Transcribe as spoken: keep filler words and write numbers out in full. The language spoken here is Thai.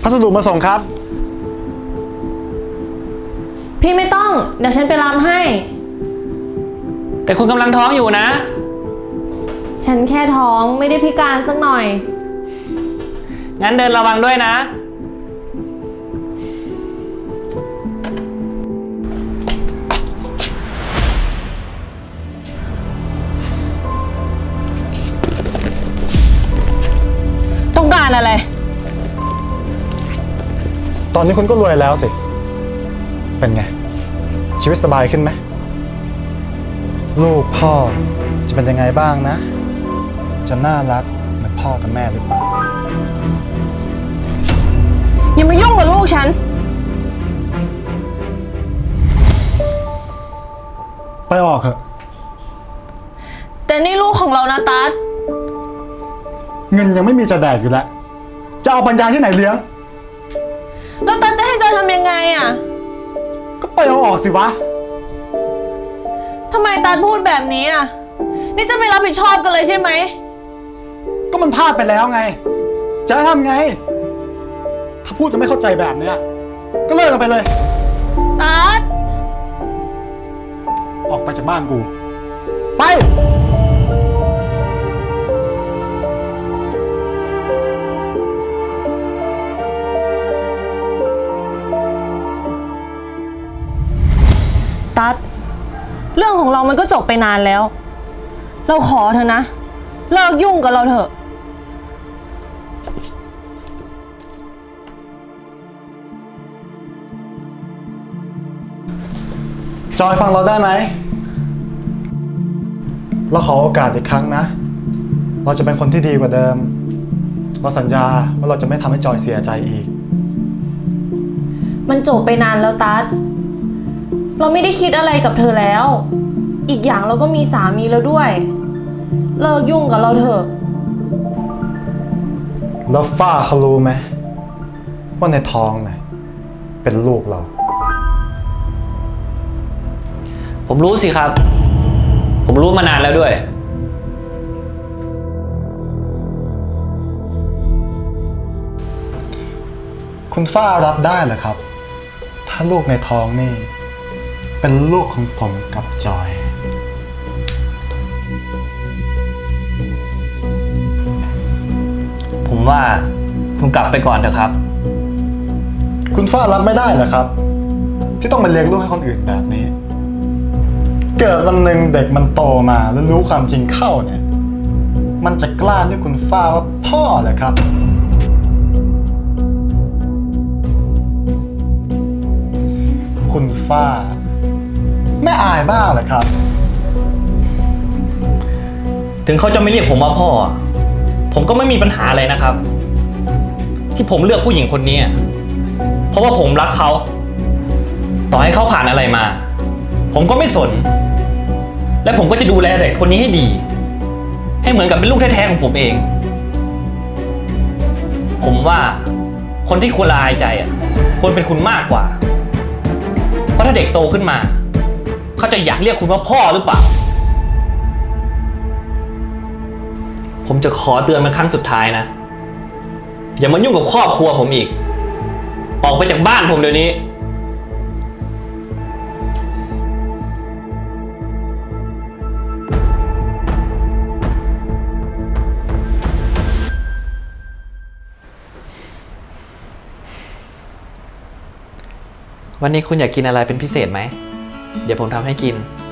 พัสดุมาส่งครับพี่ไม่ต้องเดี๋ยวฉันไปรับให้แต่คุณกำลังท้องอยู่นะฉันแค่ท้องไม่ได้พิการสักหน่อยงั้นเดินระวังด้วยนะต้องการอะไรตอนนี้คุณก็รวยแล้วสิเป็นไงชีวิตสบายขึ้นไหมลูกพ่อจะเป็นยังไงบ้างนะจะน่ารักเหมือนพ่อกับแม่หรือเปล่าอย่ามายุ่งกับลูกฉันไปออกเถอะแต่นี่ลูกของเรานะตั๊ดเงินยังไม่มีจะแดกอยู่แล้วจะเอาปัญญาที่ไหนเลี้ยงแล้วตั๊ดจะให้จอยทำยังไงอ่ะก็ไปเอาออกสิวะทำไมตั๊ดพูดแบบนี้อ่ะนี่จะไม่รับผิดชอบกันเลยใช่ไหมก็มันพลาดไปแล้วไงจะทำไงถ้าพูดจะไม่เข้าใจแบบเนี้ยก็เลิกกันไปเลยตั๊ดออกไปจากบ้านกูไปตั๊ดเรื่องของเรามันก็จบไปนานแล้วเราขอเธอนะเลิกยุ่งกับเราเถอะจอยฟังเราได้ไหมเราขอโอกาสอีกครั้งนะเราจะเป็นคนที่ดีกว่าเดิมเราสัญญาว่าเราจะไม่ทำให้จอยเสียใจอีกมันจบไปนานแล้วตั๊ดเราไม่ได้คิดอะไรกับเธอแล้วอีกอย่างเราก็มีสามีแล้วด้วยเลิกยุ่งกับเราเถอะแล้วฝ้าเขารู้ไหมว่าในท้องน่ะเป็นลูกเราผมรู้สิครับผมรู้มานานแล้วด้วยคุณฝ้ารับได้เหรอครับถ้าลูกในท้องนี่เป็นลูกของผมกับจอยผมว่าคุณกลับไปก่อนเถอะครับคุณฝ้ารับไม่ได้เหรอครับที่ต้องมาเลี้ยงลูกให้คนอื่นแบบนี้เกิดวันหนึ่งเด็กมันโตมาแล้วรู้ความจริงเข้าเนี่ยมันจะกล้าเรียกคุณฝ้าว่าพ่อเหรอครับคุณฝ้าไม่อายบ้างเหรอครับถึงเขาจะไม่เรียกผมว่าพ่อผมก็ไม่มีปัญหาอะไรนะครับที่ผมเลือกผู้หญิงคนนี้เพราะว่าผมรักเขาต่อให้เขาผ่านอะไรมาผมก็ไม่สนและผมก็จะดูแลเด็กคนนี้ให้ดีให้เหมือนกับเป็นลูกแท้ๆของผมเองผมว่าคนที่ควรละอายใจอ่ะควรเป็นคุณมากกว่าเพราะถ้าเด็กโตขึ้นมาเขาจะอยากเรียกคุณว่าพ่อหรือเปล่าผมจะขอเตือนเป็นครั้งสุดท้ายนะอย่ามายุ่งกับครอบครัวผมอีกออกไปจากบ้านผมเดี๋ยวนี้วันนี้คุณอยากกินอะไรเป็นพิเศษไหมเดี๋ยวผมทำให้กิน